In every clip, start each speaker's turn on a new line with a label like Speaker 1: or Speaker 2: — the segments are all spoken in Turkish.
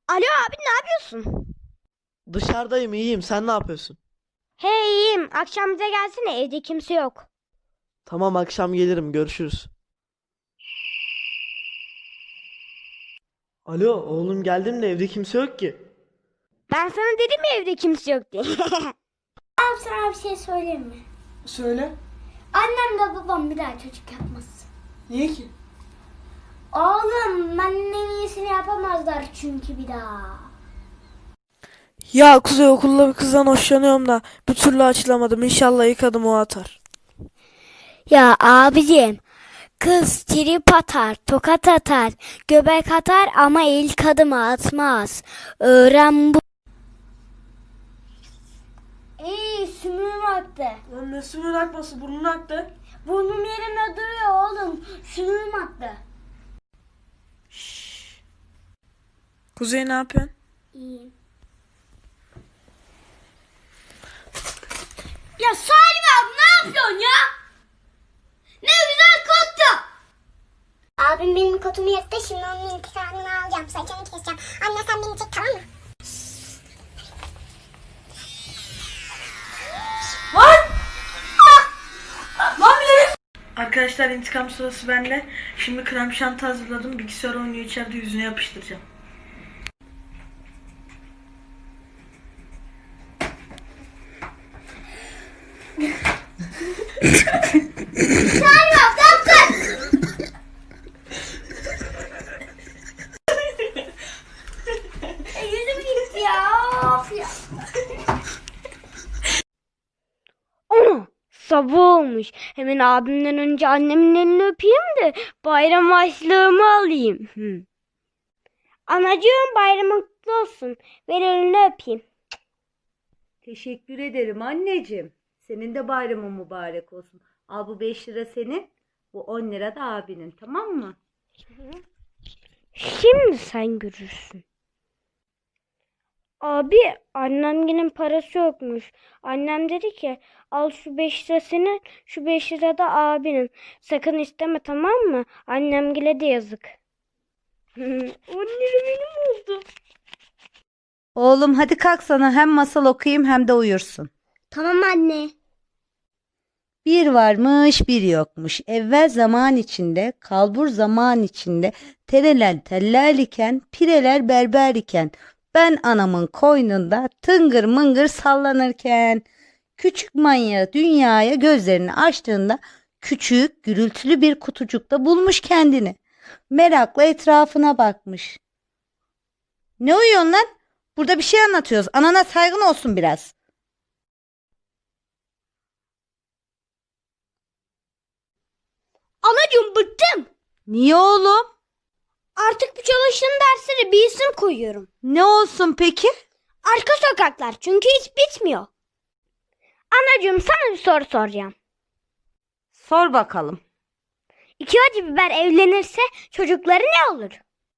Speaker 1: Alo abi ne yapıyorsun?
Speaker 2: Dışarıdayım, iyiyim. Sen ne yapıyorsun?
Speaker 1: Hey iyiyim. Akşam bize gelsene evde kimse yok.
Speaker 2: Tamam, akşam gelirim. Görüşürüz. Alo oğlum, geldim de evde kimse yok ki.
Speaker 1: Ben sana dedim ya evde kimse yok diye. Abi sana bir şey söyleyeyim mi?
Speaker 3: Söyle.
Speaker 1: Annem de babam bir daha çocuk yapmaz.
Speaker 3: Niye ki?
Speaker 1: Oğlum benden en iyisini yapamazlar çünkü bir daha.
Speaker 3: Ya Kuzey, okulda bir kızdan hoşlanıyorum da bir türlü açılamadım. İnşallah ilk adım o atar.
Speaker 1: Ya abicim kız trip atar, tokat atar, göbek atar ama ilk adımı atmaz. Öğren bu. Sümüğüm aktı.
Speaker 3: Lan ne sümüğün akması, burnun aktı.
Speaker 1: Burnum yerine duruyor oğlum. Sümüğüm aktı.
Speaker 3: Kuzey ne yapıyorsun?
Speaker 1: İyiyim. Ya Salim abi ne yapıyorsun ya? Ne güzel koktu.
Speaker 4: Abim benim kotumu yırttı, şimdi onun intikamını alacağım. Saçını keseceğim. Anne sen beni çek, tamam mı?
Speaker 3: Arkadaşlar, intikam sırası bende. Şimdi krem şanti hazırladım. Bilgisayar oynuyor içeride, yüzüne yapıştıracağım.
Speaker 1: Salim abi ne yaptın? Yüzüm gitti ya. Of ya. Ana sabah olmuş. Hemen abimden önce annemin elini öpeyim de bayram harçlığımı alayım. Anacığım bayramın kutlu olsun. Ver elini öpeyim.
Speaker 5: Teşekkür ederim anneciğim. Senin de bayramın mübarek olsun. Al, bu 5 lira senin. Bu 10 lira da abinin, tamam mı?
Speaker 1: Şimdi sen görürsün. Abi annemginin parası yokmuş. Annem dedi ki al şu 5 lira senin, şu 5 lira da abinin. Sakın isteme tamam mı? Annemgile de yazık. 10 lira benim oldu.
Speaker 5: Oğlum hadi kalk, sana hem masal okuyayım hem de uyursun.
Speaker 1: Tamam anne.
Speaker 5: Bir varmış bir yokmuş. Evvel zaman içinde, kalbur zaman içinde, tereler teller iken, pireler berber iken, ben anamın koynunda tıngır mıngır sallanırken, küçük manyağı dünyaya gözlerini açtığında küçük gürültülü bir kutucukta bulmuş kendini. Merakla etrafına bakmış. Ne uyuyorsun lan? Burada bir şey anlatıyoruz. Anana saygın olsun biraz.
Speaker 1: Anacığım bıktım.
Speaker 5: Niye oğlum?
Speaker 1: Artık bu çalıştığım derslere bir isim koyuyorum.
Speaker 5: Ne olsun peki?
Speaker 1: Arka sokaklar çünkü hiç bitmiyor. Anacığım sana bir soru soracağım.
Speaker 5: Sor bakalım.
Speaker 1: İki acı biber evlenirse çocukları ne olur?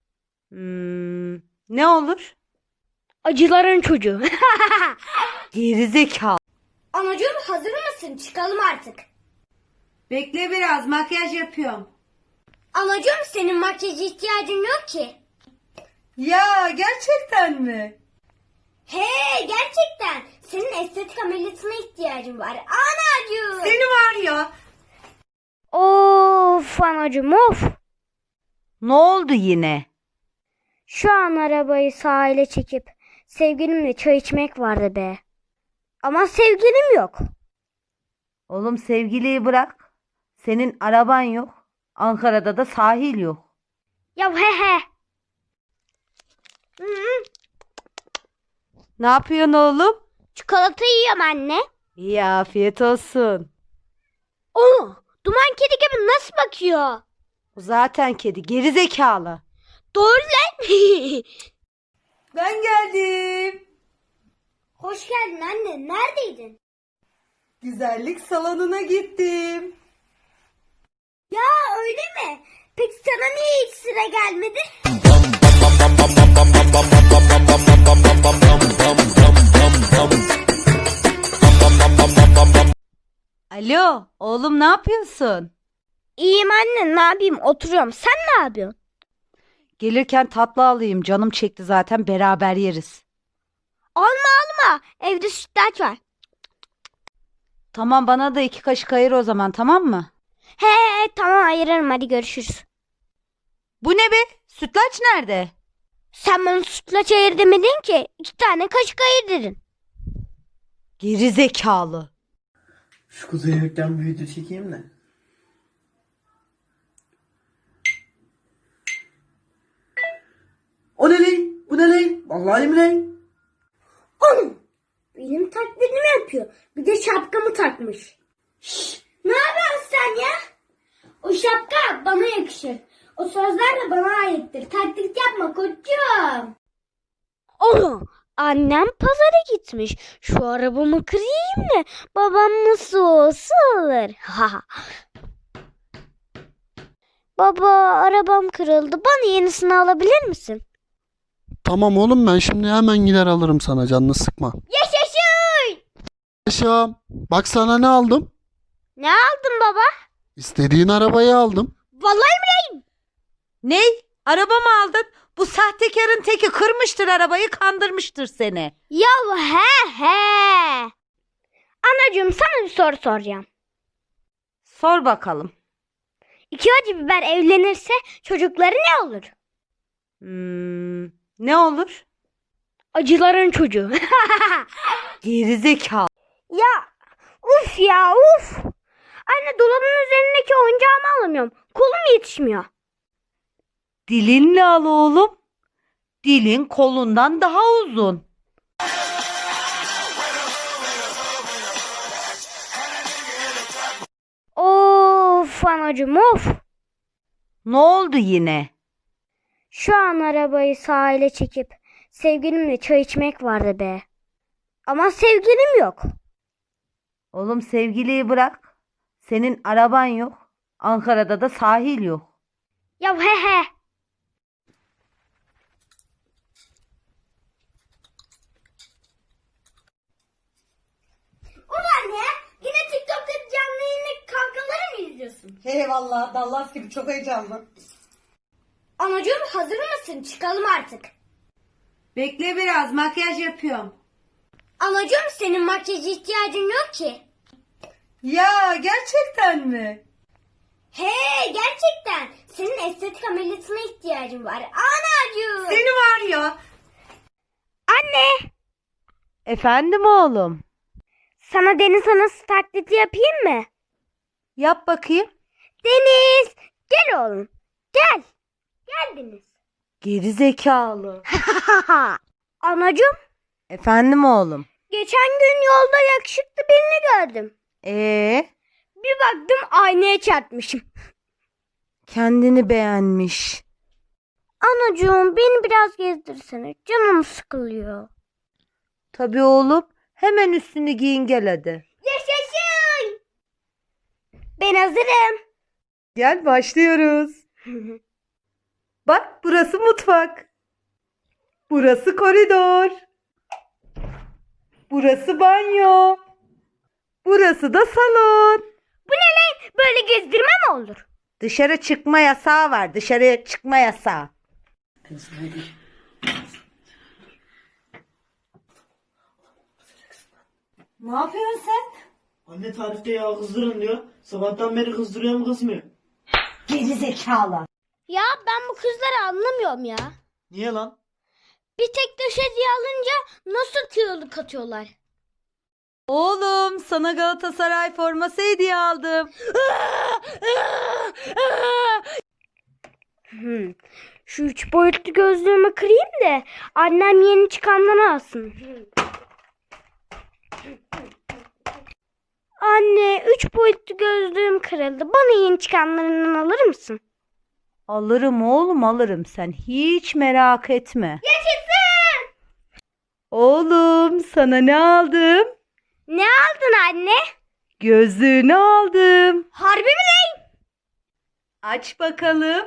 Speaker 5: Ne olur?
Speaker 1: Acıların çocuğu.
Speaker 5: Gerizekalı.
Speaker 1: Anacığım hazır mısın? Çıkalım artık.
Speaker 5: Bekle biraz, makyaj yapıyorum.
Speaker 1: Anacığım senin makyaja ihtiyacın yok ki.
Speaker 5: Ya gerçekten mi?
Speaker 1: He gerçekten. Senin estetik ameliyatına ihtiyacın var. Anacığım.
Speaker 5: Seni var ya.
Speaker 1: Of anacığım of.
Speaker 5: Ne oldu yine?
Speaker 1: Şu an arabayı sahile çekip sevgilimle çay içmek vardı be. Ama sevgilim yok.
Speaker 5: Oğlum sevgiliyi bırak. Senin araban yok. Ankara'da da sahil yok.
Speaker 1: Ya he he.
Speaker 5: Ne yapıyorsun oğlum?
Speaker 1: Çikolata yiyorum anne.
Speaker 5: İyi, afiyet olsun.
Speaker 1: Onu duman kedi gibi nasıl bakıyor?
Speaker 5: O zaten kedi, gerizekalı.
Speaker 1: Doğru lan.
Speaker 5: Ben geldim.
Speaker 1: Hoş geldin anne. Neredeydin?
Speaker 5: Güzellik salonuna gittim.
Speaker 1: Ya öyle mi? Peki sana niye hiç sıra gelmedi?
Speaker 5: Alo, oğlum ne yapıyorsun?
Speaker 1: İyiyim anne ne yapayım oturuyorum. Sen ne yapıyorsun?
Speaker 5: Gelirken tatlı alayım. Canım çekti zaten, beraber yeriz.
Speaker 1: Alma. Evde sütlaç var.
Speaker 5: Tamam, bana da 2 kaşık ayır o zaman, tamam mı?
Speaker 1: He tamam ayırırım hadi görüşürüz.
Speaker 5: Bu ne be? Sütlaç nerede?
Speaker 1: Sen bana sütlaç ayır demedin ki. 2 tane kaşık ayır dedin.
Speaker 5: Geri zekalı.
Speaker 2: Şu kuzey gökten bir video çekeyim de. O ne lan? Bu ne lan? Vallahi mi lan?
Speaker 1: Benim taklidimi yapıyor. Bir de şapkamı takmış. Ne yapıyorsun sen ya? O şapka bana yakışır. O sözler de bana aittir. Taklit yapma koçum. Oğlum annem pazara gitmiş. Şu arabamı kırayım da babam nasıl olsa alır. Baba arabam kırıldı. Bana yenisini alabilir misin?
Speaker 6: Tamam oğlum, ben şimdi hemen gider alırım sana, canını sıkma.
Speaker 1: Yaşasın!
Speaker 6: Yaşam. Bak sana ne aldım?
Speaker 1: Ne aldın baba?
Speaker 6: İstediğin arabayı aldım.
Speaker 1: Vallahi mi?
Speaker 5: Ne? Araba mı aldın? Bu sahtekarın teki kırmıştır arabayı, kandırmıştır seni.
Speaker 1: Ya he. Anacığım sana bir soru soracağım.
Speaker 5: Sor bakalım.
Speaker 1: 2 acı biber evlenirse çocukları ne olur?
Speaker 5: Ne olur?
Speaker 1: Acıların çocuğu.
Speaker 5: Geri zekalı.
Speaker 1: Ya uf. Anne dolabın üzerindeki oyuncağımı alamıyorum. Kolum yetişmiyor.
Speaker 5: Dilinle al oğlum. Dilin kolundan daha uzun.
Speaker 1: Of anacığım of.
Speaker 5: Ne oldu yine?
Speaker 1: Şu an arabayı sahile çekip sevgilimle çay içmek vardı be. Ama sevgilim yok.
Speaker 5: Oğlum, sevgiliyi bırak. Senin araban yok. Ankara'da da sahil yok.
Speaker 1: Ya he. Ulan ya yine TikTok'ta canlı yayınla kankaları mı izliyorsun?
Speaker 5: Eyvallah, Dallas gibi çok heyecanlı.
Speaker 1: Anacığım hazır mısın? Çıkalım artık.
Speaker 5: Bekle biraz, makyaj yapıyorum.
Speaker 1: Anacığım senin makyaja ihtiyacın yok ki.
Speaker 5: Ya gerçekten mi?
Speaker 1: He gerçekten. Senin estetik ameliyatına ihtiyacın var. Anacığım.
Speaker 5: Seni var ya.
Speaker 1: Anne.
Speaker 5: Efendim oğlum.
Speaker 1: Sana deniz anası taklidi yapayım mı?
Speaker 5: Yap bakayım.
Speaker 1: Deniz. Gel oğlum. Gel. Gel Deniz.
Speaker 5: Geri zekalı.
Speaker 1: Anacığım.
Speaker 5: Efendim oğlum.
Speaker 1: Geçen gün yolda yakışıklı birini gördüm. Bir baktım aynaya çarpmışım.
Speaker 5: Kendini beğenmiş.
Speaker 1: Anacığım beni biraz gezdirsene. Canım sıkılıyor.
Speaker 5: Tabii oğlum. Hemen üstünü giyin gel hadi.
Speaker 1: Yaşasın. Ben hazırım.
Speaker 5: Gel başlıyoruz. Bak, burası mutfak. Burası koridor. Burası banyo. Burası da salon.
Speaker 1: Bu ne lan? Böyle gezdirme mi olur?
Speaker 5: Dışarı çıkma yasağı var. Dışarıya çıkma yasağı. Ne yapıyorsun sen?
Speaker 2: Anne tarifte yağ kızdırın diyor. Sabahtan beri kızdırıyor mu kızmıyor?
Speaker 5: Geri zekalı.
Speaker 1: Ya ben bu kızları anlamıyorum ya.
Speaker 2: Niye lan?
Speaker 1: Bir tek döş hediye alınca nasıl kiloluk atıyorlar?
Speaker 5: Oğlum, sana Galatasaray forması hediye aldım.
Speaker 1: Şu 3 boyutlu gözlüğümü kırayım da annem yeni çıkandan alsın. Anne 3 boyutlu gözlüğüm kırıldı. Bana yeni çıkanlarından alır mısın?
Speaker 5: Alırım oğlum, alırım, sen hiç merak etme.
Speaker 1: Yaşasın!
Speaker 5: Oğlum, sana ne aldım?
Speaker 1: Ne aldın anne?
Speaker 5: Gözlüğünü aldım.
Speaker 1: Harbi mi lan?
Speaker 5: Aç bakalım.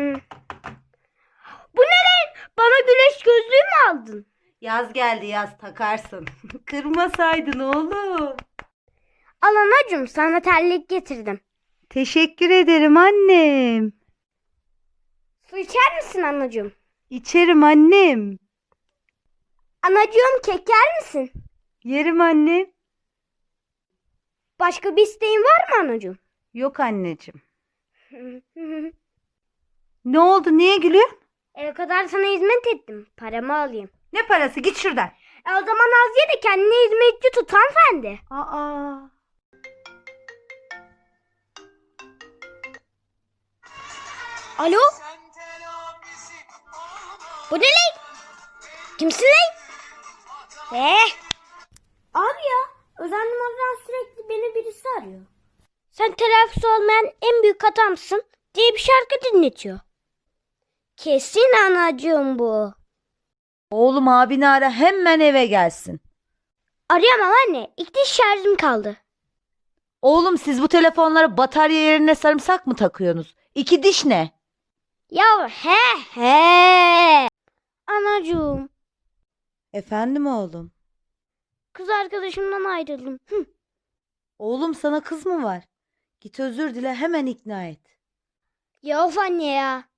Speaker 1: Bu ne lan? Bana güneş gözlüğü mü aldın?
Speaker 5: Yaz geldi, yaz takarsın. Kırmasaydın oğlum.
Speaker 1: Al anacığım sana terlik getirdim.
Speaker 5: Teşekkür ederim annem.
Speaker 1: Su içer misin anacığım?
Speaker 5: İçerim annem.
Speaker 1: Anacığım kek yer misin?
Speaker 5: Yerim annem.
Speaker 1: Başka bir isteğin var mı anacığım?
Speaker 5: Yok anneciğim. Ne oldu? Niye gülüyorsun?
Speaker 1: O kadar sana hizmet ettim. Paramı alayım.
Speaker 5: Ne parası? Git şuradan.
Speaker 1: O zaman az ye de kendine hizmetçi tut hanımefendi.
Speaker 5: Aa.
Speaker 1: Alo? Bu ne lan? Kimsin lan? Abi ya, özel numaradan sürekli beni birisi arıyor. Sen telafisi olmayan en büyük hatamsın diye bir şarkı dinletiyor. Kesin anacığım bu.
Speaker 5: Oğlum abini ara, hemen eve gelsin.
Speaker 1: Arayamam anne. İlk diş şarjım kaldı.
Speaker 5: Oğlum siz bu telefonlara batarya yerine sarımsak mı takıyorsunuz? 2 diş ne?
Speaker 1: Ya he. Anacığım,
Speaker 5: Efendim oğlum.
Speaker 1: kız arkadaşımdan ayrıldım.
Speaker 5: Oğlum sana kız mı var? Git özür dile, hemen ikna et.
Speaker 1: Ya of anne ya.